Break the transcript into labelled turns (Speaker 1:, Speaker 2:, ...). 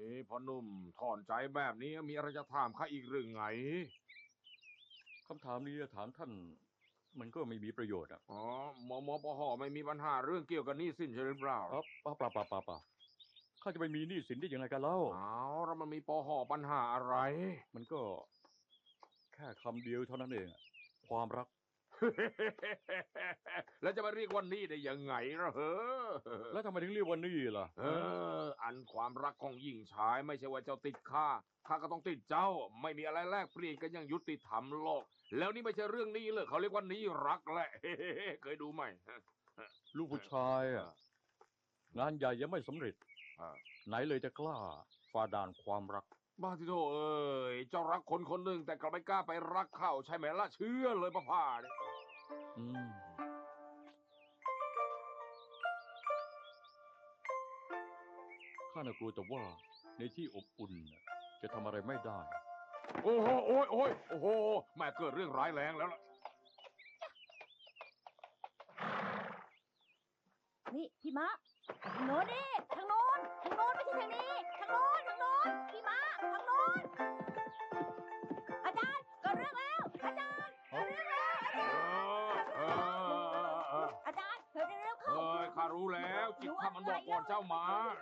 Speaker 1: พ่อหนุ่มถอนใจแบบนี้มีอะไรจะถามข้าอีกหรือไง
Speaker 2: คำถามนี้ถามท่านมันก็ไม่มีประโยชน์อ่ะ
Speaker 1: อ๋อมปหไม่มีปัญหาเรื่องเกี่ยวกับหนี้สินใช่หรือเปล่า
Speaker 2: เปล่าข้าจะไปมีหนี้สินได้ยังไงกันเล่า
Speaker 1: เอาแล้วมันมีปหปัญหาอะไร
Speaker 2: มันก็แค่คำเดียวเท่านั้นเองอะความรัก
Speaker 1: แล้วจะมาเรียกว่าหนี้ได้ยังไงล่ะเฮ้อ
Speaker 2: แล้วทำไมถึงเรียกว่าหนี้ล่ะ
Speaker 1: เอ
Speaker 2: ฮะ
Speaker 1: อันความรักของหญิงชายไม่ใช่ว่าเจ้าติดข้าก็ต้องติดเจ้าไม่มีอะไรแลกเปลี่ยนกันอย่างยุติธรรมโลกแล้วนี่ไม่ใช่เรื่องหนี้เลยเขาเรียกว่าหนี้รักแหละเคยดูไหม
Speaker 2: ลูกผู้ชายอ่ะงานใหญ่ยังไม่สำเร็จไหนเลยจะกล้าฝ่าด่านความรัก
Speaker 1: บ้าที่โธ่เอ้ยเจ้ารักคนคนหนึ่งแต่กลับไม่กล้าไปรักเขาใช่ไหมล่ะเชื่อเลยพ่าเนี่ย
Speaker 2: อืมข้าน่ะกลัวแต่ว่าในที่อบอุ่นน่ะจะทำอะไรไม่ได้
Speaker 1: โอ้โหโอ้โหแม่เกิดเรื่องร้ายแรงแล้วล่ะ
Speaker 3: นี่พี่มะทางโน้นนี่ทางโน้นไม่ใช่ทางนี้ทางโน้นพี่มะทางโน้นอาจารย์เกิดเรื่องแล้วอาจารย์เกิดเรื่องแล้วอาจารย์เกิดเรื่องเข้า
Speaker 1: ข้ารู้แล้วจิตข้ามันบอกก่อนเจ้ามา